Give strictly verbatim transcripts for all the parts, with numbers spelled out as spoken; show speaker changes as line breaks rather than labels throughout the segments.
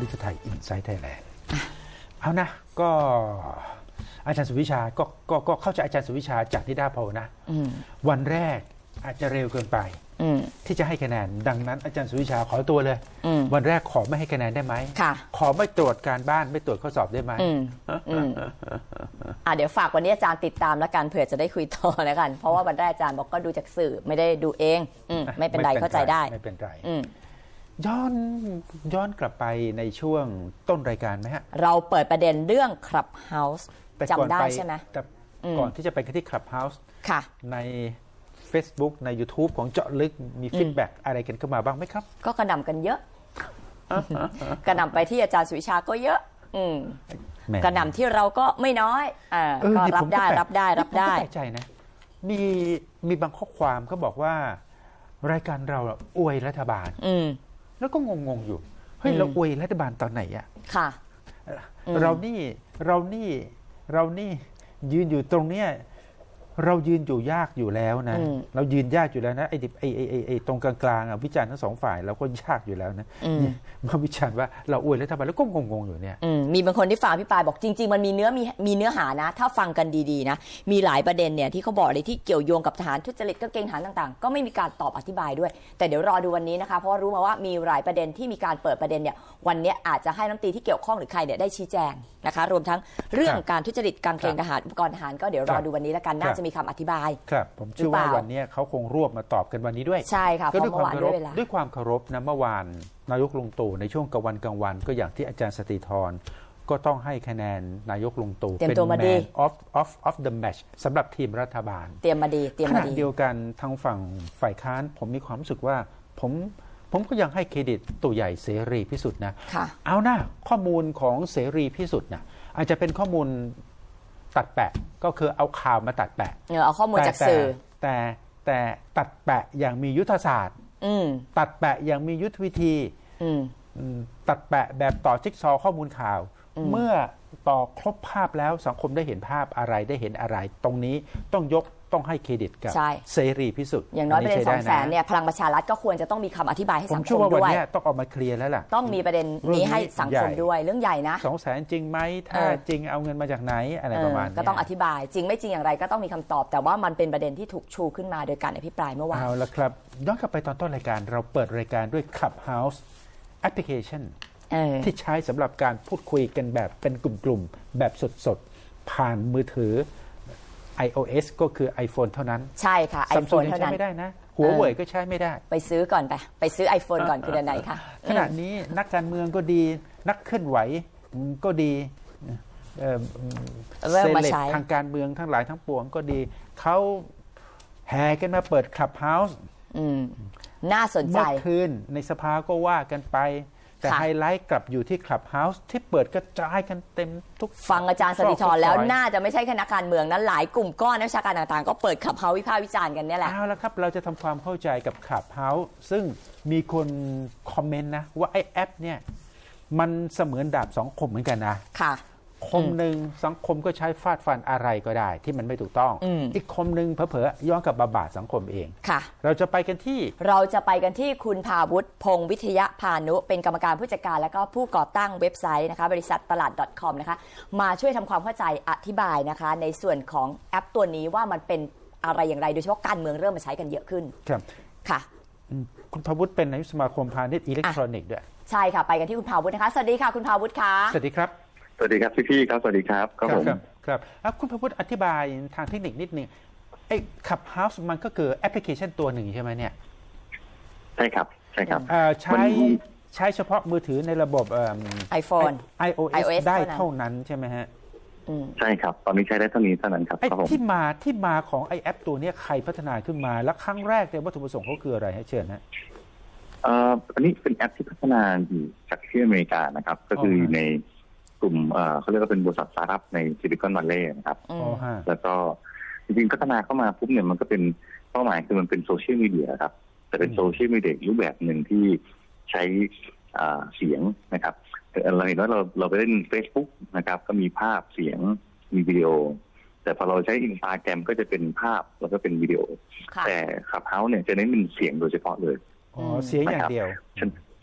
ลิทไทยอินไซต์ไทยแลนด์เอานะก็อาจารย์สุวิชาก็ก็ก็เข้าใจอาจารย์สุวิชาจากนิดาโพลนะวันแรกอาจจะเร็วเกินไปที่จะให้คะแนนดังนั้นอาจารย์สุวิชาขอตัวเลยวันแรกขอไม่ให้คะแนนได้ไหมขอไม่ตรวจการบ้านไม่ตรวจข้อสอบได้ไหม
อ่าเดี๋ยวฝากวันนี้อาจารย์ติดตามแล้วกันเผื่อจะได้คุยต่อแล้วกันเพราะว่าวันแรกอาจารย์บอกก็ดูจากสื่อไม่ได้ดูเองอืไม่เป็นไรเข้าใจได้
ไม่เป็นไรย้อนย้อนกลับไปในช่วงต้นรายการไหมฮะ
เราเปิดประเด็นเรื่อง Clubhouse จำได้ใช่ไหม
แต่ก่อนที่จะไปที่ Clubhouse
ค่ะ
ใน Facebook ใน YouTube ของเจาะลึกมีฟีดแบ็กอะไรกันเข้ามาบ้างไหมครับ
ก็กระหน่ำกันเยอะกระหน่ำไปที่อาจารย์สุวิชาก็เยอะกระหน่ำที่เราก็ไม่น้อยก็รับได้รับได้รับได้
ผมก็แปลกใจนะมีมีบางข้อความเขาบอกว่ารายการเราอวยรัฐบาลแล้วก็งงๆอยู่เฮ้ยเราอวยรัฐบาลตอนไหนอะ
ค่ะ
เรานี่เรานี่เรานี่ยืนอยู่ตรงเนี้ยเรายืนอยู่ยากอยู่แล้วนะเรายืนยากอยู่แล้วนะไอ้ไอ้ไอ้ไอ้ตรงกลางๆอ่ะวิจารณ์ทั้งสองฝ่ายเราก็ยากอยู่แล้วนะมาวิจารณ์ว่าเราอวยรัฐบาลแล้วก็งงๆอยู่เนี่ย
มีบางคนที่ฟังพี่ปายบอกจริงๆมันมีเนื้อมีมีเนื้อหานะถ้าฟังกันดีๆนะมีหลายประเด็นเนี่ยที่เขาบอกเลยที่เกี่ยวโยงกับทหารทุจริตก็เกณฑ์ทหารต่างๆก็ไม่มีการตอบอธิบายด้วยแต่เดี๋ยวรอดูวันนี้นะคะเพราะว่ารู้มาว่ามีหลายประเด็นที่มีการเปิดประเด็นเนี่ยวันนี้อาจจะให้รัฐมนตรีที่เกี่ยวข้องหรือใครเนี่ยได้ชี้แจงนะคะรวมทั้งเรื่องการทุจริตการเกณฑ์ทหารอุปกรณ์ทหารก็เดี๋ยวรอดูวันนี้แล้วกันน่าจะมีคำอธิบาย
ครับผมเชื่อว่าวันนี้เขาคงรวบมาตอบกันวันนี้ด้วย
ใช่ค่ะ
ก็ด้วยความเคารพด้วยความเคารพนะเมื่อวานนายกลุงตู่ในช่วงกลางวันกลางวันก็อย่างที่อาจารย์สติธรก็ต้องให้คะแนนนายกลุงตู่เป็น man of of of the match สำหรับทีมรัฐบาล
เตรียมมาดีเตรียมมาดี
ขณะเดียวกันทางฝั่งฝ่ายค้านผมมีความรู้สึกว่าผมผมก็ยังให้เครดิตตู่ใหญ่เสรีพิสุทธิ์นะเอานะข้อมูลของเสรีพิสุทธิ์นะอาจจะเป็นข้อมูลตัดแปะก็คือเอาข่าวมาตัดแปะ
เออเอาข้อมูลจากสื่อ
แต่แต่ตัดแปะอย่างมียุทธศาสตร์ตัดแปะอย่างมียุทธวิธีตัดแปะแบบต่อจิ๊กซอว์ข้อมูลข่าวเมื่อต่อครบภาพแล้วสังคมได้เห็นภาพอะไรได้เห็นอะไรตรงนี้ต้องยกต้องให้เครดิตกับเสรีพิสุทธิ์
อย่างน้อยประเด็นสองแสนเนี่ยพลังประชารัฐก็ควรจะต้องมีคำอธิบายให้สังคมด้วยผม
เชื่อว่าวันนี้ต้องออกมาเคลียร์แล้วล่ะ
ต้องมีประเด็นนี้ให้สังคมด้วยเรื่องใหญ่นะ
สองแสนจริงไหมถ้าจริงเอาเงินมาจากไหนอะไรประมาณนี้
ก็ต้องอธิบายจริงไม่จริงอย่างไรก็ต้องมีคำตอบแต่ว่ามันเป็นประเด็นที่ถูกชูขึ้นมาโดยการอภิปรายเมื่อวาน
เอาละครับย้อนกลับไปตอนต้นรายการเราเปิดรายการด้วย Clubhouse แอปพลิเคชันที่ใช้สำหรับการพูดคุยกันแบบเป็นกลุ่มๆแบบสดๆผ่านมือถือ iOS ก็คือ iPhone เท่านั้น
ใช่ค่ะ iPhone เท่านั้น
ใช้ไม่ได้นะหัวเว่ยก็ใช้ไม่ได้
ไปซื้อก่อนไปไปซื้อ iPhone ก่อนคือเดือนไหนคะ
ขณะนี้นักการเมืองก็ดีนักเคลื่อนไหวก็ดีเซเลบทางการเมืองทั้งหลายทั้งปวงก็ดีเขาแห่กันมาเปิด Clubhouse
น่าสนใจ
เมื่อคืนในสภาก็ว่ากันไปแต่ไฮไลท์กลับอยู่ที่ Clubhouse ที่เปิดกระจายกันเต็มทุก
ฟังอาจารย์สติธรแล้วน่าจะไม่ใช่แค่นักการเมืองนั้นหลายกลุ่มก้อนนักวิชาการต่างๆก็เปิด Clubhouse วิพากษ์วิจารณ์กันนี่แหละ
เอาละครับเราจะทำความเข้าใจกับ Clubhouse ซึ่งมีคนคอมเมนต์นะว่าไอ้แอปเนี่ยมันเสมือนดาบสองคมเหมือนกันนะ
ค่ะ
คมหนึ่งสังคมก็ใช้ฟาดฟันอะไรก็ได้ที่มันไม่ถูกต้อง อ, อีกคมหนึ่งเผลอๆย้อนกับบาบาดสังคมเอง
ค่ะ
เราจะไปกันที่
เราจะไปกันที่คุณภาวุฒิพงษ์วิทยาพานุเป็นกรรมการผู้จัดการและก็ผู้ก่อตั้งเว็บไซต์นะคะบริษัทตลาด .com นะคะมาช่วยทำความเข้าใจอธิบายนะคะในส่วนของแอปตัวนี้ว่ามันเป็นอะไรอย่างไรโดยเฉพาะการเมืองเริ่มมาใช้กันเยอะขึ้น
ครับ
ค่ะ
คุณภาวุฒิเป็นนายกสมาคมพาณิชย์อิเล็กทรอนิกส์ด้วย
ใช่ค่ะไปกันที่คุณภาวุฒินะคะสวัสดีค่ะคุณภาวุฒิค่ะ
สวัสดีครับ
สวัสดีครับพี่ๆครับสวัสดีครับ
ครับผมครับครับคุณภาวุฒิอธิบายทางเทคนิคนิดนึงไอ้ Clubhouse มันก็คือแอปพลิเคชันตัวหนึ่งใช่ไหมเนี่ย
ใช่ครับใช่ครับ
ใช้ใช้เฉพาะมือถือในระบบ
iPhone
iOS ได้เท่านั้นใช่ไหมฮะ
ใช่ครับตอนนี้ใช้ได้เท่านี้เท่านั้นครับ
ที่มาที่มาของไอแอปตัวนี้ใครพัฒนาขึ้นมาและครั้งแรกเนี่ยวัตถุประสงค์เขาคืออะไรให้เชิญนะ
เอ่ออันนี้เป็นแอปที่พัฒนาอยู่จากที่อเมริกานะครับก็คือในกลุ่มเขาเรียกว่าเป็นบริษัทสตาร์ทอัพในซิลิคอนวัลเลย์นะครับแล้วก็จริงๆพัฒนาเข้ามาปุ๊บเนี่ยมันก็เป็นเป้าหมายคือมันเป็นโซเชียลมีเดียครับแต่เป็นโซเชียลมีเดียรูปแบบหนึ่งที่ใช้เสียงนะครับเราเห็นว่าเราเราไปเล่น Facebook นะครับก็มีภาพเสียงมีวิดีโอแต่พอเราใช้ Instagram ก็จะเป็นภาพแล้วก็เป็นวิดีโอแต่ Clubhouse เนี่ยจะเน้นเป็นเสียงโดยเฉพาะเลย
อ๋อเสียงอย่างเดียว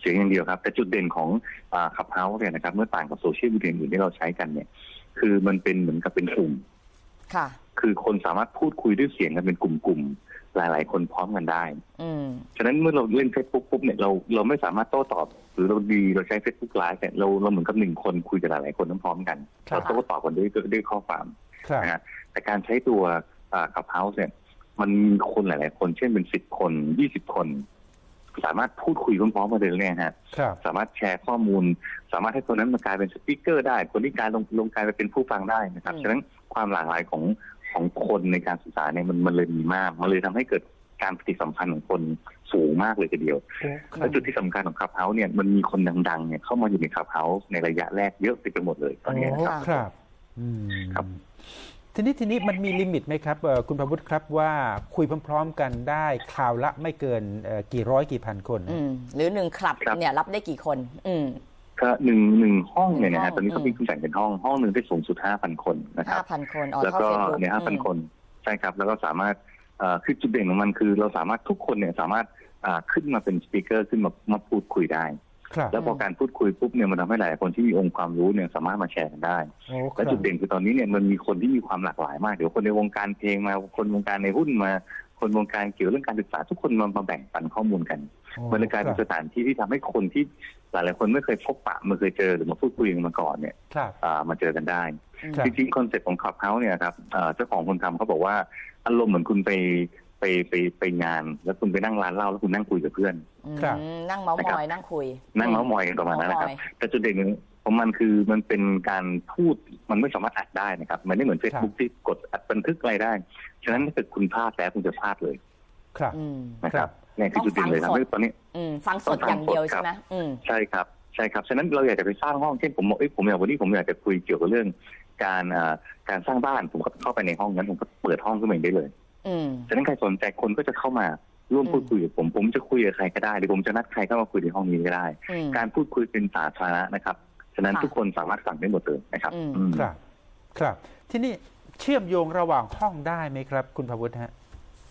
เสียงอย่างเดียวครับแต่จุดเด่นของขับเฮาส์เนี่ยนะครับเมื่อต่างกับโซเชียลมีเดียอื่นที่เราใช้กันเนี่ยคือมันเป็นเหมือนกับเป็นกลุ่ม
ค่ะ
คือคนสามารถพูดคุยด้วยเสียงกันเป็นกลุ่มๆหลายๆคนพร้อมกันได้ฉะนั้นเมื่อเราเล่น Facebook ปุ๊บเนี่ยเราเราไม่สามารถโต้ตอบหรือเราดีเราใช้ Facebook Live เนี่ยเราเราเหมือนกับหนึ่งคนคุยกับหลายๆคนพร้อมกันเราโต้ตอบกันด้วยด้วยข้อความนะฮะแต่การใช้ตัวขับเฮาส์เนี่ยมันมีคนหลายๆคนเช่นเป็นสิบคนยี่สิบคนสามารถพูดคุยพร้อมๆกันเลยเนี่ยฮะสามารถแชร์ข้อมูลสามารถให้คนนั้นมากลายเป็นสปีกเกอร์ได้คนที่กลายลงลงกลายไปเป็นผู้ฟังได้นะครับฉะนั้นความหลากหลายของของคนในการสื่อสารเนี่ยมันมันเลยมีมากมันเลยทำให้เกิดการปฏิสัมพันธ์ของคนสูงมากเลยทีเดียวและจุดที่สำคัญของคลับเฮาส์เนี่ยมันมีคนดังๆเนี่ยเข้ามาอยู่ในคลับเฮาส์ในระยะแรกเยอะไปหมดเลยตอนนี้นะครับ
ครับครับทีนี้ทีนี้มันมีลิมิตไหมครับคุณประวุฒิครับว่าคุยพร้อมๆกันได้คราวละไม่เกินกี่ร้อยกี่พันคน
หรือหนึ่งคลับเนี่ยรับได้กี่คนอืม
ก็หนึ่งหนึ่งห้องเนี่ยนะฮะตอนนี้เขามีคุณแบ่งเป็นห้องห้องหนึ่งได้สูงสุดห้าพันคนนะครับ
ห้าพันคน
แล้วก็เนี่ยห้าพันคนใช่ครับแล้วก็สามารถคือจุดเด่นของมันคือเราสามารถทุกคนเนี่ยสามารถขึ้นมาเป็นสปีกเกอร์ขึ้นมามาพูดคุยได้แล้วพอการพูดคุยปุ๊บเนี่ยมันทำให้หลายคนที่มีองค์ความรู้เนี่ยสามารถมาแชร์กันได้และจุดเด่นคือตอนนี้เนี่ยมันมีคนที่มีความหลากหลายมากเดี๋ยวคนในวงการเพลงมาคนวงการในหุ้นมาคนวงการเกี่ยวเรื่องการศึกษาทุกคนมามาแบ่งปันข้อมูลกันมันเลยกลายเป็นสถานที่ที่ทำให้คนที่หลายๆคนไม่เคยพบปะไม่เคยเจอหรือมาพูดคุยกันมาก่อนเนี่ยมาเจอกันได้จริงๆคอนเซ็ปต์ของคลับเฮาส์เนี่ยครับเจ้าของคนทำเขาบอกว่าอารมณ์เหมือนคุณไปไปไปไปงานแล้วคุณไปนั่งร้านเหล้าแล้วคุณนั่งคุยกับเพื่อน
นั่งเมาส์มอยนั่งคุย
นั่งเมาส์มอยกันประมาณนั้นนะครับแต่จุดเด่นของมันคือมันเป็นการพูดมันไม่สามารถอัดได้นะครับมันไม่เหมือน Facebook ที่กดอัดบันทึกอะไรได้ฉะนั้นถ้าเกิดคุณพลาดแล้วคุณจะพลาดเลย
ครับ
นะครับนี่คือจุดเด่นเลยครับตอนนี้
ฟังสดอย่างเดียวใช่ไหม
ใช่ครับใช่ครับฉะนั้นเราอยากจะไปสร้างห้องเช่นผมบอกเอ้ยผมอยากวันนี้ผมอยากจะคุยเกี่ยวกับเรื่องการการสร้างบ้านผมก็เข้าไปในห้องนั้นผมก็เปิดห้องขึ้นมาได้เลยฉะนั้นใครสนใจคนก็จะเข้ามาร่วมพูดคุยกับผมผมจะคุยกับใครก็ได้หรือผมจะนัดใครเข้ามาคุยในห้องนี้ก็ได้การพูดคุยเป็นสาธารณะนะครับฉะนั้นทุกคนสามารถฟังได้หมดเลยนะครับ
ครับครับที่นี่เชื่อมโยงระหว่างห้องได้ไหมครับคุณพวุฒิฮะ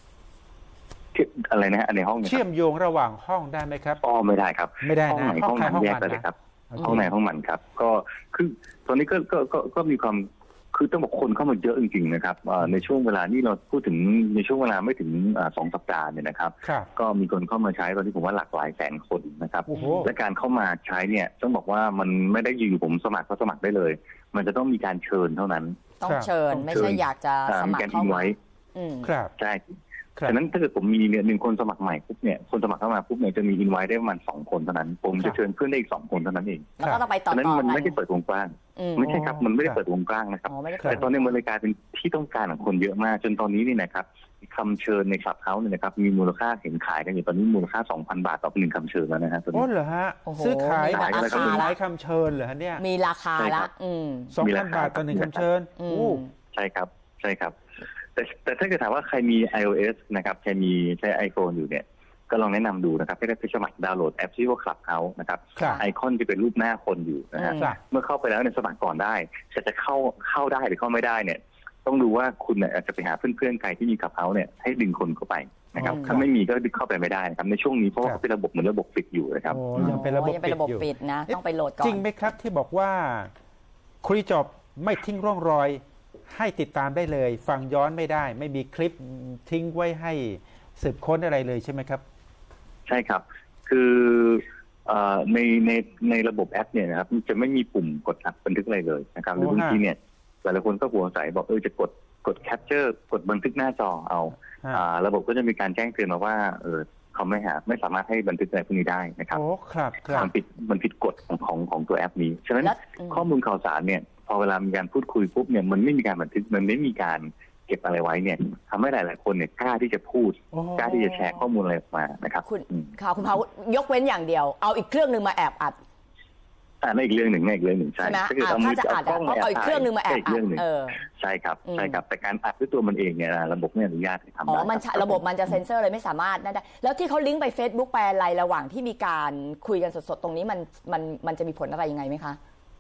อะไรนะฮะในห้อง
เชื่อมโยงระหว่างห้องได้ไหมครับ
อ๋อไม่ได้ครับ
ไม่ได้
นะห้องไหนห้องมันแยกกันเลยครับห้องไหนห้องมันครับก็คือตอนนี้ก็ก็ก็ก็มีความคือต้องบอกคนเข้ามาเยอะจริงๆนะครับในช่วงเวลานี้เราพูดถึงในช่วงเวลาไม่ถึงสองสัปดาห์เนี่ยนะครับก็มีคนเข้ามาใช้ตอนนี้ผมว่าหลากหลายแสนคนนะครับและการเข้ามาใช้เนี่ยต้องบอกว่ามันไม่ได้อยู่ผมสมัครก็สมัครได้เลยมันจะต้องมีการเชิญเท่านั้น
ต้องเชิญไม่ใช่อยากจะสมัครเข้ามา
ครับใช่ฉะนั้นถ้าเกิดผมมีเนี่ยหนึ่งคนสมัครใหม่ปุ๊บเนี่ยคนสมัครเข้ามาปุ๊บเนี่ยจะมีอินไวท์ได้ประมาณสองคนเท่านั้นผมจะเชิญเพื่อนได้อีกสองคนเท่านั้นเอง
แล้วก็ต้องไปต่อ
ๆนั้นมันไม่ได้เปิดวงกว้างไม่ใช่ครับมันไม่ได้เปิดวงกว้างนะครับแต่ตอนนี้มันเลยกลายเป็นที่ต้องการของคนเยอะมากจนตอนนี้นี่นะครับคำเชิญในคลับเฮาส์เนี่ยนะครับมีมูลค่าเห็นขายกันอยู่ตอนนี้มูลค่า สองพัน บาทต่อหนึ่งคำเชิญแล้วนะฮะ
โอ้เหรอฮะซื้อขายซื้อขายคำเชิญเหรอฮะเนี่ย
มีราคาละ
สองพันบาทต่อหนึ่งคำเชิญ
ใช่ครับใช่ครับแต่แต่ถ้าเกิดถามว่าใครมี iOS นะครับใครมีใช้ iPhone อยู่เนี่ยก็ลองแนะนำดูนะครับให้ได้ไปสมัครดาวน์โหลดแอปที่ว่า Clubhouse นะครับไอคอนจะเป็นรูปหน้าคนอยู่นะฮะเมื่อเข้าไปแล้วเนี่ยสมัครก่อนได้แต่จะเข้าเข้าได้หรือเข้าไม่ได้เนี่ยต้องดูว่าคุณเนี่ยอาจจะไปหาเพื่อนๆใครที่มี Clubhouse เนี่ยให้ดึงคนเข้าไปนะครับถ้าไม่มีก็ดึงเข้าไปไม่ได้นะครับในช่วงนี้เพราะว่าเป็นระบบเหมือนระบบปิดอยู่นะครับ
ยังเป็นระบบ
ปิดนะต้องไปโหลดก่อน
จริงไหมครับที่บอกว่าคุยจบไม่ทิ้งร่องรอยให้ติดตามได้เลยฟังย้อนไม่ได้ไม่มีคลิปทิ้งไว้ให้สืบค้นอะไรเลยใช่ไหมครับ
ใช่ครับคือในในในระบบแอปเนี่ยนะครับจะไม่มีปุ่มกดอัดบันทึกอะไรเลยนะครับหรือบางทีเนี่ยหลายคนก็หัวใสบอกเออจะกดกดแคปเจอร์กดบันทึกหน้าจอเอาระบบก็จะมีการแจ้งเตือนมาว่าเออเขาไม่หาไม่สามารถให้บันทึกอะไรพวกนี้ได้นะครับ
โอ้ครับ
มันผิดมันผิดกฎของของของตัวแอปนี้ฉะนั้นข้อมูลข่าวสารเนี่ยพอเวลามีการพูดคุยปุ๊บเนี่ยมันไม่มีการบันทึกมันไม่มีการเก็บอะไรไว้เนี่ยทำให้หลายๆคนเนี่ยกล้าที่จะพูดกล้าที่จะแชร์ข้อมูลอะไรออกมานะครับ
คุณค่ะคุณพาวุฒิยกเว้นอย่างเดียวเอาอีกเครื่องนึงมาแอบอัด
อ่าในอีกเรื่องหนึ่งในอีกเรื่องหนึ่งใช่
ถ้าเกิดเอามือจับกล้องเอาอีกเครื่องนึงมาแอบอัดเออ
ใช่ครับใช่ครับแต่การอัดด้วยตัวมันเองเนี่ยระบบไม่อนุญาตให้ทำได้
อ๋อมันระบบมันจะเซ็นเซอร์เลยไม่สามารถนั่นได้แล้วที่เขาลิงก์ไป Facebook ไปอะไรระหว่างที่มีการคุยกันสดๆตรงนี้มันมันมันจะมีผลอะไรยังไงไหมคะ
ค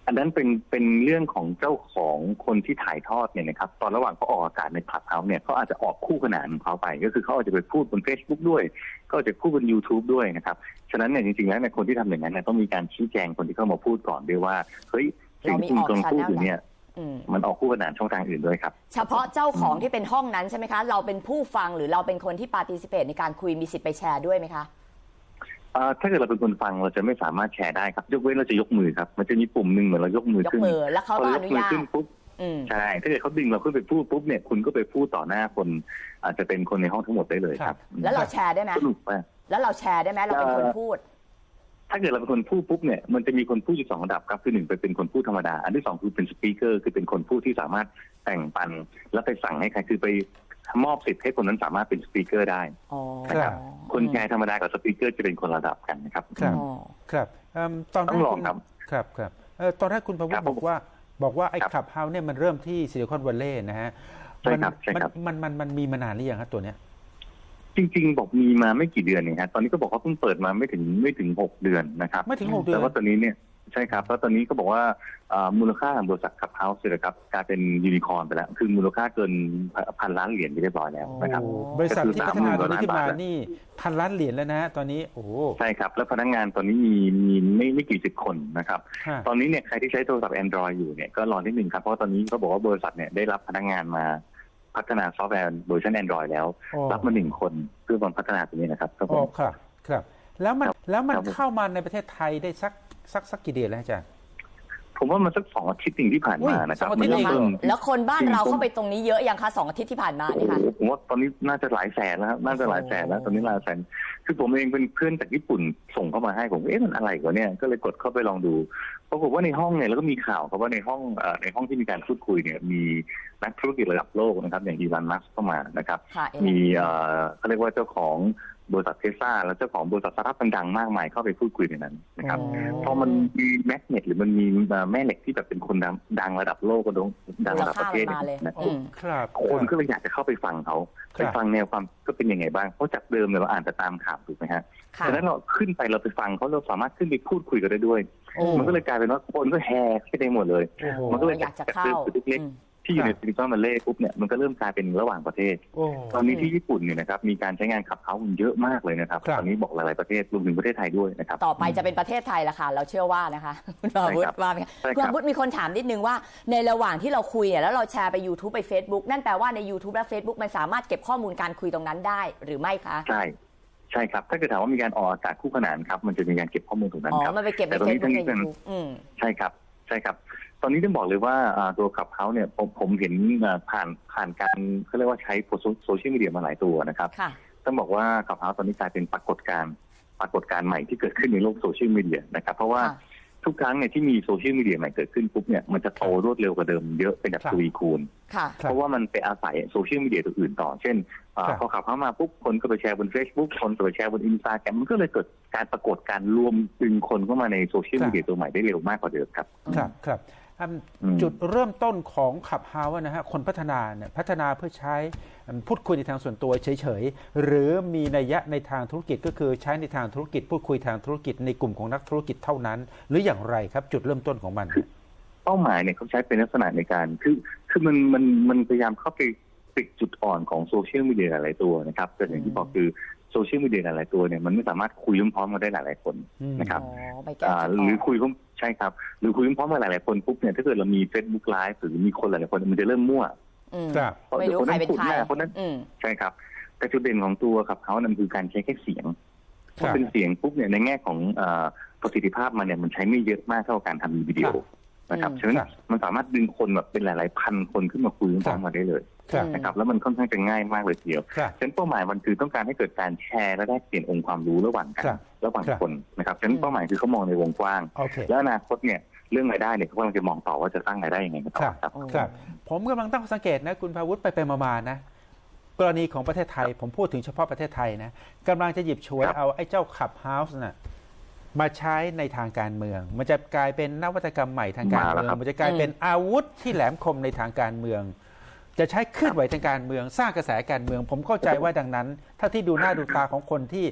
อันนั้นเป็นเป็นเรื่องของเจ้าของคนที่ถ่ายทอดเนี่ยนะครับตอนระหว่างเขาออกอากาศในคลับเฮาส์เนี่ยเขาอาจจะออกคู่ขนานของเขาไปก็คือเขาอาจจะไปพูดบน Facebook ด้วยก็อาจจะพูดบน YouTube ด้วยนะครับฉะนั้นเนี่ยจริงๆแล้วเนี่ยคนที่ทำอย่างนั้นเนี่ยต้องมีการชี้แจงคนที่เข้ามาพูดก่อนด้วยว่าเฮ้ยสิ่งที่คุณกำลังพูดอยู่เนี่ยมันออกคู่ขนานช่องทางอื่นด้วยครับ
เฉพาะเจ้าของที่เป็นห้องนั้นใช่ไหมคะเราเป็นผู้ฟังหรือเราเป็นคนที่ participate ในการคุยมีสิทธิ์ไปแชร์ด้วยไหมคะ
ถ้าเกิดเราเป็นคนฟังเราจะไม่สามารถแชร์ได้ครับยกเว้นเราจะยกมือครับมันจะมีปุ่มหนึ่งเหมือนเรายกมือขึ้น
ยกมือแล้วเขาก็อนุญาต
ขึ้นปุ๊บใช่ถ้าเกิดเขาดึงเราขึ้นไปพูดปุ๊บเนี่ยคุณก็ไปพูดต่อหน้าคนอาจจะเป็นคนในห้องทั้งหมดได้เลยครับ
แล้วเราแชร์ได้ไหมแล้วเราแชร์ได้ไหมเราเป็นคนพูด
ถ้าเกิดเราเป็นคนพูดปุ๊บเนี่ยมันจะมีคนพูดอยู่สองระดับครับคือหนึ่งไปเป็นคนพูดธรรมดาอันที่สองคือเป็นสปีกเกอร์คือเป็นคนพูดที่สามารถแต่งปันแล้วไปสั่งให้ใครคือไปมอบสิทธิ์ให้คนนั้นสามารถเป็นสปีกเกอร์ได้นะครับคนแชร์ธรรมดากับสปีกเกอร์จะเป็นคนระดับกันนะครับ
ครับครับตอนแรกคุณครับครับตอนแรกคุณประวุฒิบอกว่าบอกว่าไอ้คลับเฮาส์เนี่ยมันเริ่มที่ซิลิคอนวัลเลย์นะฮะมันมันมันมันมีมานานหรือยังครับตัวเนี้ย
จริงๆบอกมีมาไม่กี่เดือนเองครับตอนนี้ก็บอกว่าเพิ่งเปิดมาไม่ถึงไม่ถึงหกเดือนนะครับ
ไม่ถึงหกเดือน
แต่ว่าตอนนี้เนี่ยใช่ครับแล้วตอนนี้ก็บอกว่ามูลค่าของบริษัทคลับเฮาส์เลยครับกลายเป็นยูนิคอร์นไปแล้วคือมูลค่าเกินพันล้านเหรียญไปเรียบร้อยแล้วนะครับ
บริษัทที่พัฒนาตัวนี้ขึ้นมานี่พันล้านเหรียญแล้วนะตอนนี้โอ้
ใช่ครับแล้วพนักงานตอนนี้มีมีไม่ไม่กี่สิบคนนะครับตอนนี้เนี่ยใครที่ใช้โทรศัพท์ Android อยู่เนี่ยก็รอนิดนึงครับเพราะตอนนี้เขาบอกว่าบริษัทเนี่ยได้รับพนักงานมาพัฒนาซอฟต์แวร์เวอร์ชัน Android แล้วรับมาหนึ่งคนเพื่อมาพัฒนาตัวนี้นะครับ
ครับครับครับแล้วมันแล้วมันเข้ามาในประเทศไทยได้สักสักสักกี่เดือนแล้วอาจารย์
ผมว่ามันสักสองอาทิตย์ที่ผ่านมานะครับ
มันเริ่มแล้วคนบ้านเราเข้าไปตรงนี้เยอะยังคะสองอาทิตย์ที่ผ่านมานี่ค่ะ
ผมว่าตอนนี้น่าจะหลายแสนแล้วน่าจะหลายแสนแล้วตอนนี้หลายแสนคือผมเองเป็นเพื่อนจากญี่ปุ่นส่งเข้ามาให้ผมเอ๊ะมันอะไรกว่าเนี่ยก็เลยกดเข้าไปลองดูปรากฏว่าในห้องเนี่ยแล้วก็มีข่าวครับว่าในห้องในห้องที่มีการพูดคุยเนี่ยมีนักธุรกิจระดับโลกนะครับอย่างอีลอน มัสก์เข้ามานะครับมีเขาเรียกว่าเจ้าของบริษัทเทสลาและเจ้าของบริษัทสตาร์ทอัพดังมากมายเข้าไปพูดคุยในนั้นนะครับพอมันมีแมกเนตหรือมันมีแม่เหล็กที่แบบเป็นคนดังระดับโลกก็ดังระดับประเทศนะครับคนก็เลยอยากจะเข้าไปฟังเขาไปฟังแนวความก็เป็นยังไงบ้างเพราะจากเดิมเราอ่านแต่ตามข่าวถูกไหมฮะฉะนั้นเราขึ้นไปเราไปฟังเขาเราสามารถขึ้นไปพูดคุยกันได้ด้วยมันก็เลยกลายเป็นว่าคนก็แห่ขึ้นได้หมดเลยมันก็เลย
อยากจะเข้า
เล็กที่อยู่ในซิลิคอนวัลเลย์ปุ๊บเนี่ยมันก็เริ่มกลายเป็นระหว่างประเทศตอนนี้ที่ญี่ปุ่นเนี่ยนะครับมีการใช้งานขับเฮาส์เยอะมากเลยนะครับตอนนี้บอกหลายๆประเทศรวมถึงประเทศไทยด้วยนะครับ
ต่อไปจะเป็นประเทศไทยละค่ะเราเชื่อว่านะคะคุณอาวุธว่าไหมคุณอาวุธมีคนถามนิดนึงว่าในระหว่างที่เราคุยเนี่ยแล้วเราแชร์ไป YouTube ไป Facebook นั่นแปลว่าใน YouTube และ Facebook มันสามารถเก็บข้อมูลการคุยตรงนั้นได้หรือไม่คะ
ใช่ใช่ครับถ้าเกิดถามว่ามีการออกอากาศคู่ขนานครับมันจะมีการเก็บข้อมูลตรงนั้นครับ
อ๋อมันไปเก็บใน Facebook ใน YouTube
ใช่ครับใช่ครับตอนนี้ต้องบอกเลยว่าตัวขับเฮาส์เนี่ยผมผมเห็นผ่านผ่านการเขาเรียกว่าใช้โซเชียลมีเดียมาหลายตัวนะครับต้องบอกว่าขับเฮาส์ตอนนี้กลายเป็นปรากฏการณ์ปรากฏการณ์ใหม่ที่เกิดขึ้นในโลกโซเชียลมีเดียนะครับเพราะว่าทุกครั้งเนี่ยที่มีโซเชียลมีเดียใหม่เกิดขึ้นปุ๊บเนี่ยมันจะโตรวดเร็วกว่าเดิมเยอะเป็นแบบทวีคูณเพราะว่ามันไปอาศัยโซเชียลมีเดียตัวอื่นต่อเช่นพอขับเข้ามาปุ๊บคนก็ไปแชร์บน Facebook คนก็ไปแชร์บน Instagram มันก็เลยเกิดการปรากฏการรวมดึงคนเข้ามาในโซเชียลมีเดียตัวใหม่ได้เร็วมากกว่าเดิมครับ
ครับครับจุดเริ่มต้นของขับเฮาส์นะฮะคนพัฒนาเนี่ยพัฒนาเพื่อใช้พูดคุยในทางส่วนตัวเฉยๆหรือมีนัยยะในทางธุรกิจก็คือใช้ในทางธุรกิจพูดคุยทางธุรกิจในกลุ่มของนักธุรกิจเท่านั้นหรืออย่างไรครับจุดเริ่มต้นของมัน
เป้าหมายเนี่ยเขาใช้เป็นลักษณะในการคือคือมันมันมันพยายามเข้าไปปิดจุดอ่อนของโซเชียลมีเดียหลายตัวนะครับแต่อย่างที่บอกคือโซเชียลมีเดียหลายตัวเนี่ยมันไม่สามารถคุยพร้อมกันได้หลายๆคนนะครับหรือคุยใช่ครับหรือคุยพร้อมกันหลายๆคนปุ๊บเนี่ยถ้าเกิดเรามี Facebook Live หรือมีคนหลายๆคนมันจะเริ่มมั่ว
ไม่รู้ใครเป็นใคร
คนนั้นใช่ครับแต่จุดเด่นของตัวขับเฮาส์นั่นคือการใช้แค่เสียงพอเป็นเสียงปุ๊บเนี่ยในแง่ของประสิทธิภาพมันเนี่ยมันใช้ไม่เยอะมากเท่าการทำวิดีโอนะครับฉะนั้นมันสามารถดึงคนแบบเป็นหลายๆพันคนขึ้นมาคุยพร้อมกันได้เลยนะครับแล้วมันค่อนข้างจะง่ายมากเลยทีเดียวฉะนั้นเป้าหมายมันคือต้องการให้เกิดการแชร์และแลกเปลี่ยนองค์ความรู้ระหว่างกันระหว่างคนนะครับฉะนั้นเป้าหมายคือเขามองในวงกว้างแล้วอนาคตเนี่ยเรื่องรายได้เนี่ยเขากำลังจะมองต่อว่าจะสร้างรายได้ยังไงต่อครับ
ครับผมกำลังตั้งสังเกตนะคุณภาวุฒิไปไปมาๆนะกรณีของประเทศไทยผมพูดถึงเฉพาะประเทศไทยนะกำลังจะหยิบฉวยเอาไอ้เจ้าขับเฮาส์น่ะมาใช้ในทางการเมืองมันจะกลายเป็นนวัตกรรมใหม่ทางการเมืองมันจะกลายเป็นอาวุธที่แหลมคมในทางการเมืองจะใช้เคลื่อนไหวทางการเมืองสร้างกระแสการเมืองผมเข้าใจว่าดังนั้นถ้าที่ดูหน้าดูตาของคนที่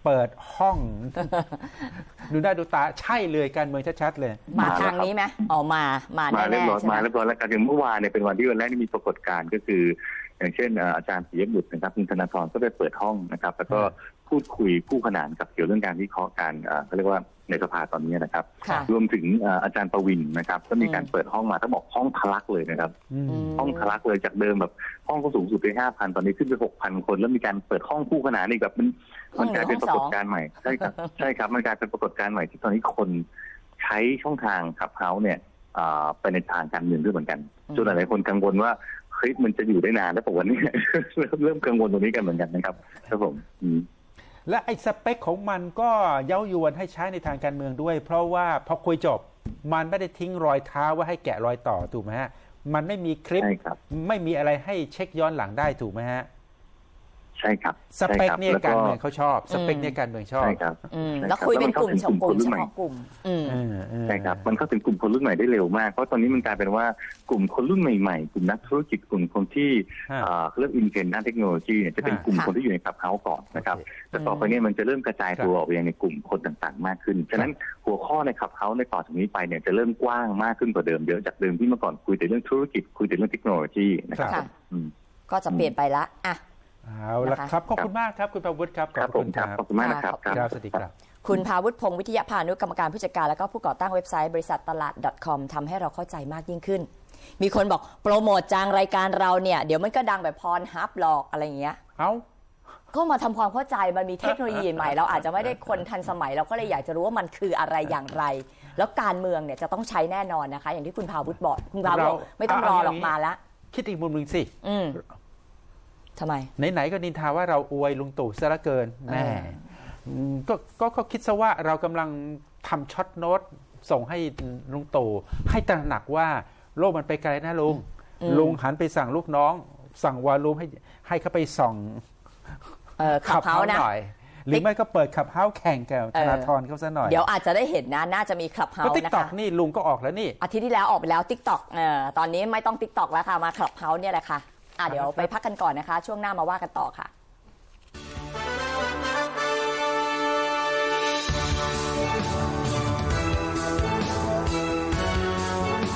เปิดห้อง ดูหน้าดูตาใช่เลยการเมืองชัดๆเลย
มาทางนี้ไหมอ๋อมามา
มา
แน่
เรียบร้อย
ๆใช่ไหม
มาเรียบร้อยแล้วกันอย่างเมื่อวานเนี่ยเป็นวันที่วันแรกที่มีปรากฏการณ์ก็คือ อย่างเช่นอาจารย์ปิยบุตรนะครับคุณธนาธรก็ได้เปิดห้องนะครับแล้วก็พูดคุยคู่ขนานกับเกี่ยวเรื่องการวิเคราะห์การเขาเรียกว่าในสภาตอนนี้นะครับรวมถึงอาจารย์ประวินนะครับก็มีการเปิดห้องมาต้องบอกห้องทะลักเลยนะครับห้องทะลักเลยจากเดิมแบบห้องก็สูงสุดไปห้าพันตอนนี้ขึ้นไปหกพันคนแล้วมีการเปิดห้องคู่ขนานอีกแบบมันมันกลายเป็นปรากฏการณ์ใหม่ใช่ครับใช่ครับมันกลายเป็นปรากฏการณ์ใหม่ที่ตอนนี้คนใช้ช่องทางขับเฮ้าเนี่ยไปในทางการเมืองด้วยเหมือนกันจนหลายคนกังวลว่าเฮ้ยมันจะอยู่ได้นานแล้วปะวันนี้ เริ่มกังวลตรงนี้กันเหมือนกันนะครับครับผม
และไอ้สเปคของมันก็เย้ายวนให้ใช้ในทางการเมืองด้วยเพราะว่าพอคุยจบมันไม่ได้ทิ้งรอยเท้าว่าให้แกะรอยต่อถูกไหมฮะมันไม่มีคลิปไม่มีอะไรให้เช็คย้อนหลังได้ถูกไหมฮะ
ใช่ครับ
สเปคเนี่ยการเมืองเขาชอบสเปคเนี่ยการเมืองชอบ
ใช่ครับ
แล้วคุยเป็นกลุ่มเฉพาะกลุ่มเฉพาะกลุ่ม
ใช่ครับมันเข้าถึงกลุ่มคนรุ่นใหม่ได้เร็วมากเพราะตอนนี้มันกลายเป็นว่ากลุ่มคนรุ่นใหม่ๆกลุ่มนักธุรกิจกลุ่มคนที่เริ่มอินเทรนด์ด้านเทคโนโลยีเนี่ยจะเป็นกลุ่มคนที่อยู่ในคลับเฮาส์ก่อนนะครับแต่ต่อไปนี้มันจะเริ่มกระจายตัวออกไปยังในกลุ่มคนต่างๆมากขึ้นฉะนั้นหัวข้อในคลับเฮาส์ในต่อจากนี้ไปเนี่ยจะเริ่มกว้างมากขึ้นกว่าเดิมเยอะจากเดิมที่เมื่อก่อนคุยแต่เรื่องธุรกิจคุยแต่เรื่องเทคโนโลยีนะครับ
ก็จะเปลี่ยนไปละอ่ะ
เอาละครับขอบคุณมากครับคุณภาวุฒิครับ
ขอบคุณครับขอบคุณมากนะครับ
ครับสวัสดีครับ
คุณภาวุฒิพงศ์วิทยาพานุกรรมการผู้จัดการและก็ผู้ก่อตั้งเว็บไซต์บริษัทตลาด .com ทำให้เราเข้าใจมากยิ่งขึ้นมีคนบอกโปรโมทจังรายการเราเนี่ยเดี๋ยวมันก็ดังแบบพรฮับหลอกอะไรอย่างเงี้ย
เอ้า
ก็มาทำความเข้าใจมันมีเทคโนโลยีใหม่เราอาจจะไม่ได้คนทันสมัยเราก็เลยอยากจะรู้ว่ามันคืออะไรอย่างไรแล้วการเมืองเนี่ยจะต้องใช้แน่นอนนะคะอย่างที่คุณภาวุฒิบอกคุณภาวุฒิไม่ต้องรอหรอกมาแล้ว
คิดอีกมุมหนึ่งสิ
อืมทำไม
ไหนๆก็นินทาว่าเราอวยลุงตู่ซะเหลือเกินแม่ก็ก็ก็คิดซะว่าเรากำลังทำช็อตโน้ตส่งให้ลุงตู่ให้ตระหนักว่าโลกมันไปไกลนะลุงลุงหันไปสั่งลูกน้องสั่งวาลูมให้ให้เขาไปส่อง
ขับเฮ้าห
น่อยหรือไม่ก็เปิดขับเฮ้าแข่งกับธนาธรเขาซะหน่อย
เดี๋ยวอาจจะได้เห็นนะน่าจะมีขับเฮ้านะคะ
ติ๊กต็อกนี่ลุงก็ออกแล้วนี่
อาทิตย์ที่แล้วออกไปแล้วติ๊กต็อกเอ่อตอนนี้ไม่ต้องติ๊กต็อกแล้วค่ะมาขับเฮ้าเนี่ยแหละค่ะอ่ะเดี๋ยวไปพักกันก่อนนะคะช่วงหน้ามาว่ากันต่อค่ะ